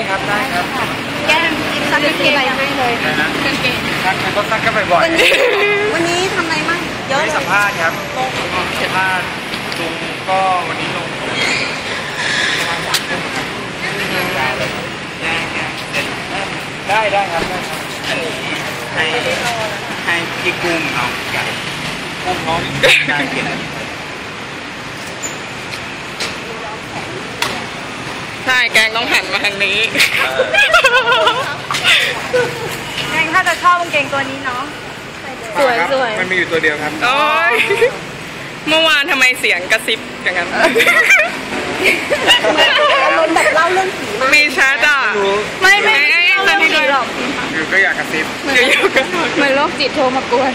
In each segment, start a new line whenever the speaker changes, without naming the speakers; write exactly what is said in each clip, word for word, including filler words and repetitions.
ครับได้ครับ
แก้มกินซักกางเกงอะไรให้เลย
นะกางเกงซักก็ซักกันบ่อย
ๆวันนี้ทำอะไรมั่งเยอะเลย
สัมภาษณ์ครับสัมภาษณ์ลุงก็วันนี้ลงได้ได้ครับให้ให้พี่กุ้งเอากุ้งน้องได้กิน
ใช่แกงต้องหันมาทางนี้
แกงถ้าจะชอบกางเกงตัวนี้เนาะสวยสวย
มันมีอยู่ตัวเดียวครับ
โอ้ยเมื่อวานทำไมเสียงกระซิบอย่างนั้น
อารมณ์แบบเล่าเรื่องผีมาก
มีชัดอ่ะไม่ไม่ไม่เรื่องผีหรอก
อยู่ก็อยากกระซิบ
อยู่ๆก็
เหมือนโรคจิตโทรมากวน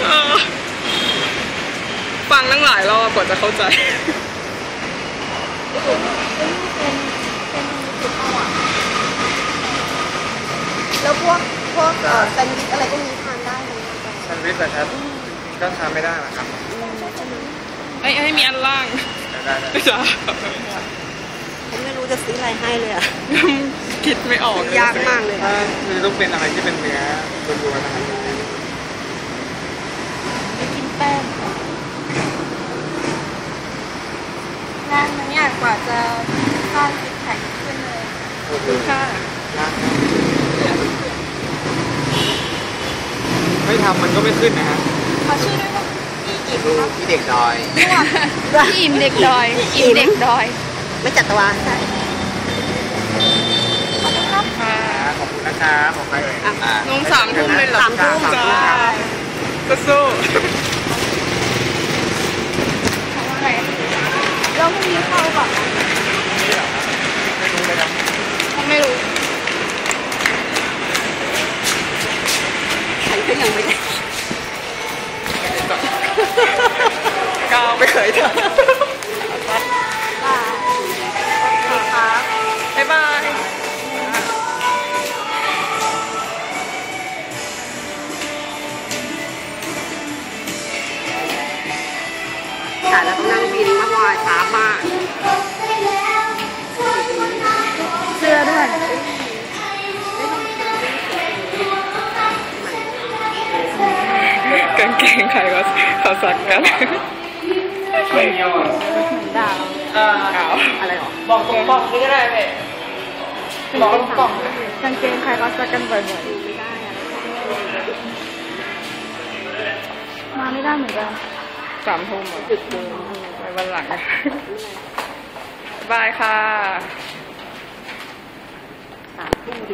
ฟังตั้งหลายรอบกว่าจะเข้าใจ
แล้วพวกพวกแซนด์วิชอะไรก็มีทานได้ไหม
แซนด์วิชนะครับก็ทานไม่ได้หรอครับ
ไอ้ไอ้มีอันล่าง
ได้ได้
จ้า
ผมไม่รู้จะซื้ออะไรให้เลยอ่ะ
คิดไม่ออก
ยากมากเลย
ถ้าคือต้องเป็นอะไรที่เป็นเนื้อล้วนๆนะครับ
ไม่กินแป้งงานมันยากกว่าจะสร้างจิตแข็งขึ้นเลย
ดูค่ะ
ไม่ทำมันก็ไม่ขึ้นนะฮะ
ขอชื่อด้วยว่าพี่อิ่มครับ
พี่เด็กดอย
พี่อิ่มเด็กดอยอิ่มเด็กดอยไม่จัดตัวใช่ขอบคุณครับ
ขอบคุณนะครับขอบคุณเลย
น้องสามทุ่มเลยหรอ
สามทุ่ม
จ้าก็สู้
เราไม่มีเข้าก่อน
ไม่รู้เลยนะ
ไม่รู้ฉันก็ยังไม่ได้
ก้าวไม่เคยทำบ๊ายบาย
แต่เราต้องนั่งบินมากว่าช้ามากเสื้อด้วย
กางเกงใครก็เขาสักกัน
ไม่เยอะ
ดาว
ขาว
อะไรหรอ
บอกตรงบอกนี่ก็ได้ไหมบอกตรงบอก
กางเกงใครก็สักกันบ่อยๆมาไม่ได้เหมือนกัน
สามทุ่มจุดเดิมไปวันหลังบายค่ะ